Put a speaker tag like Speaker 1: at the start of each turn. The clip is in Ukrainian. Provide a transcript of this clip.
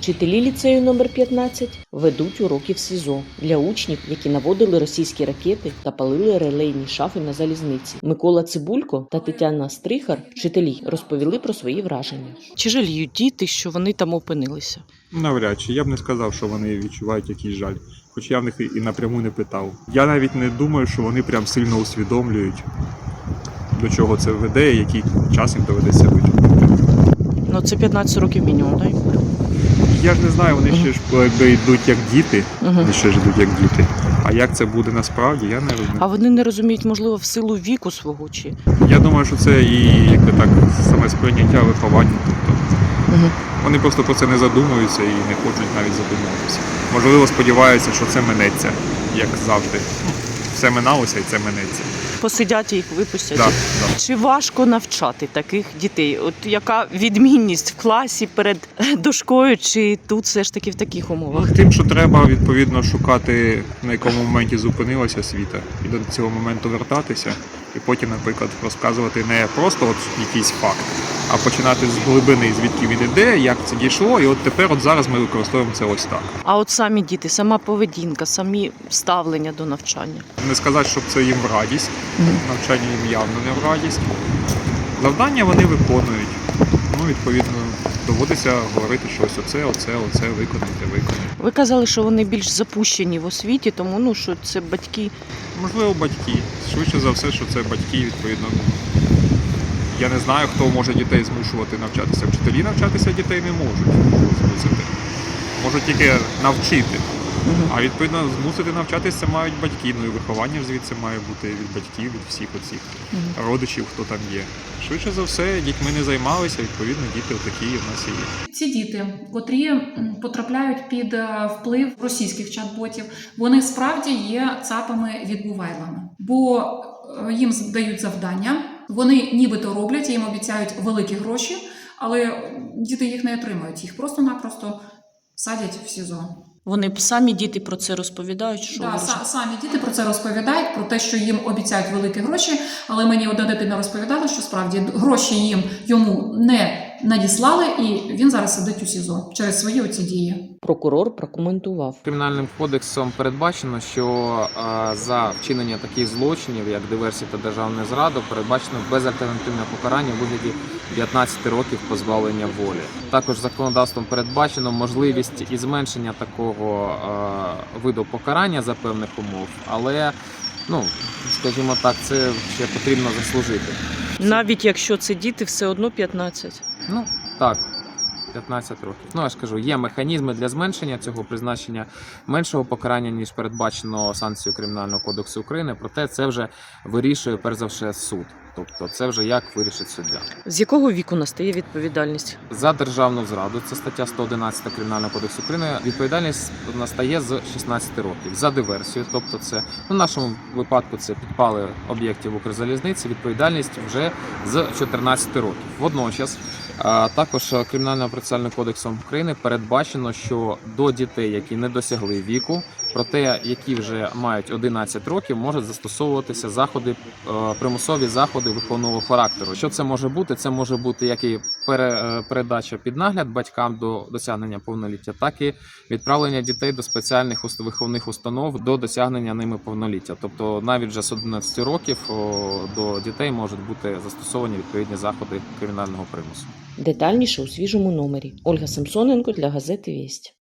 Speaker 1: Вчителі ліцею номер 15 ведуть уроки в СІЗО для учнів, які наводили російські ракети та палили релейні шафи на залізниці. Микола Цибулько та Тетяна Стрихар, вчителі, розповіли про свої враження.
Speaker 2: Чи жаліють діти, що вони там опинилися?
Speaker 3: Навряд чи. Я б не сказав, що вони відчувають якийсь жаль. Хоч я в них і напряму не питав. Я навіть не думаю, що вони прям сильно усвідомлюють, до чого це веде і який час їм доведеться витягнути.
Speaker 2: Ну, це 15 років мінімум, так?
Speaker 3: Я ж не знаю, вони ще ж якби йдуть як діти, вони ще ж йдуть як діти. А як це буде насправді, я не розумію.
Speaker 2: А вони не розуміють, можливо, в силу віку свого чи?
Speaker 3: Я думаю, що це і якби так саме сприйняття виховання. Тобто вони просто про це не задумуються і не хочуть навіть задумуватися. Можливо, сподіваються, що це минеться, як завжди. Все миналося і це минеться.
Speaker 2: Посидять і їх випустять.
Speaker 3: Да.
Speaker 2: Чи важко навчати таких дітей? От яка відмінність в класі перед дошкою, чи тут все ж таки в таких умовах?
Speaker 3: Тим, що треба відповідно шукати, на якому моменті зупинилася освіта, і до цього моменту вертатися, і потім, наприклад, розказувати не просто от якийсь факт, а починати з глибини, звідки він іде, як це дійшло, і от тепер, от зараз ми використовуємо це ось так.
Speaker 2: А от самі діти, сама поведінка, самі ставлення до навчання?
Speaker 3: Не сказати, щоб це їм в радість, навчання їм явно не в радість. Завдання вони виконують. Ну, відповідно, доводиться говорити, що ось оце виконайте.
Speaker 2: Ви казали, що вони більш запущені в освіті, тому що це батьки.
Speaker 3: Можливо, батьки. Швидше за все, що це батьки, відповідно. Я не знаю, хто може дітей змушувати навчатися. Вчителі навчатися дітей не можуть змусити. Можуть тільки навчити. А відповідно змусити навчатися це мають батьки. Ну і виховання ж звідси має бути від батьків, від всіх оцих родичів, хто там є. Швидше за все, дітьми не займалися, відповідно, діти такі в нас і є.
Speaker 4: Ці діти, котрі потрапляють під вплив російських чат-ботів, вони справді є цапами-відбувайлами. Бо їм дають завдання, вони нібито роблять, їм обіцяють великі гроші, але діти їх не отримують, їх просто-напросто садять в СІЗО.
Speaker 2: Вони самі діти про це розповідають? Що
Speaker 4: Самі діти про це розповідають, про те, що їм обіцяють великі гроші, але мені одна дитина розповідала, що справді гроші йому не надіслали, і він зараз сидить у СІЗО через свої оці дії.
Speaker 1: Прокурор прокоментував.
Speaker 5: Кримінальним кодексом передбачено, що за вчинення таких злочинів, як диверсія та державна зрада, передбачено безальтернативне покарання у вигляді 15 років позбавлення волі. Також законодавством передбачено можливість і зменшення такого виду покарання за певних умов, але, скажімо так, це ще потрібно заслужити.
Speaker 2: Навіть якщо це діти, все одно 15?
Speaker 5: Так. 15 років. Я ж кажу, є механізми для зменшення цього призначення меншого покарання, ніж передбачено санкцією Кримінального кодексу України, проте це вже вирішує, перш за все, суд. Тобто це вже як вирішить суддя.
Speaker 2: З якого віку настає відповідальність?
Speaker 5: За державну зраду, це стаття 111 Кримінального кодексу України, відповідальність настає з 16 років. За диверсію, тобто це, в нашому випадку це підпали об'єктів Укрзалізниці, відповідальність вже з 14 років. Водночас, також Кримінальним процесуальним кодексом України передбачено, що до дітей, які не досягли віку, проте які вже мають 11 років, можуть застосовуватися примусові заходи виховного характеру. Що це може бути? Це може бути як і передача під нагляд батькам до досягнення повноліття, так і відправлення дітей до спеціальних виховних установ до досягнення ними повноліття. Тобто навіть вже з 11 років до дітей можуть бути застосовані відповідні заходи кримінального примусу.
Speaker 1: Детальніше у свіжому номері. Ольга Самсоненко для газети «Вість».